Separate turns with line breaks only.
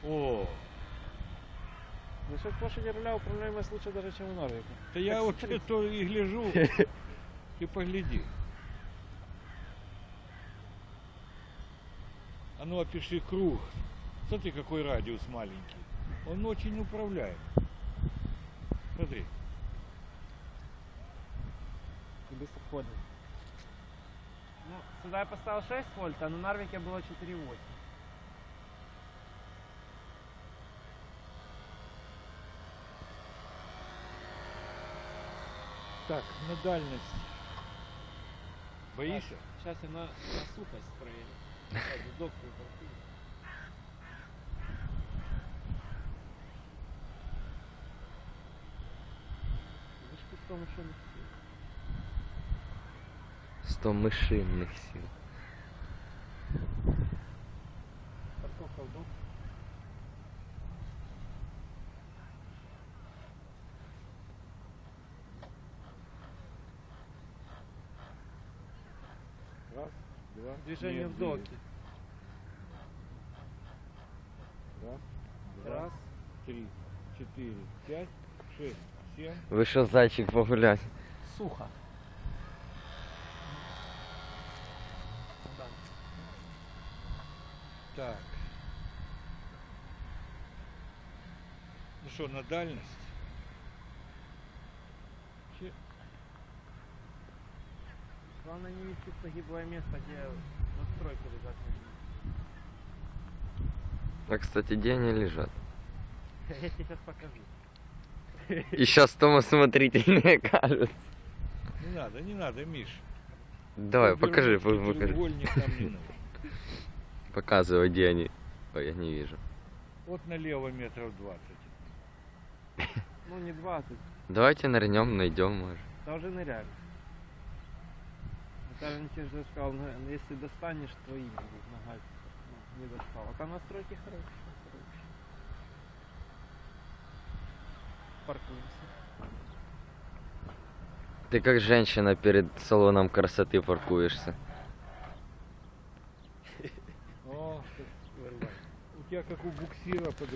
О,
За счет лошади руля управляемость лучше даже, чем у Норвика.
да я вот это и гляжу, и погляди. А ну опиши круг. Смотри, какой радиус маленький. Он очень управляем. Смотри.
И быстроходный. Ну, сюда я поставил 6 вольт, а на Нарвике было 4,8.
Так, на дальность. Боишься?
Сейчас я на сухость проверю. Доктор паркует. Вышки 100 машин.
100 мышиных сил.
Парковка в дом.
Раз, два,
Движение
нет,
в доке.
Раз, два,
Раз.
3, 4, 5, 6, 7.
Вышел зайчик погулять.
Сухо. Да.
Так. Ну что, на дальность? Че-
Главное не вести в погиблое место, где настройки лежат.
А, кстати, где они лежат?
Я тебе сейчас покажу.
И сейчас Тома смотрительные кажется.
Не надо, Миш.
Давай, покажи,
Вернуть
покажи.
треугольник нам не надо.
Показывай, где они. Ой, я не вижу.
Вот налево метров 20.
Ну не 20,
Давайте нырнем, найдем, может.
это уже ныряли. Виталий Никитич же сказал, ну, если достанешь, твои будут нога. Ну, не достал. А там настройки хорошие. Паркуемся.
Ты как женщина перед салоном красоты паркуешься.
О, как вырвать. У тебя как у буксира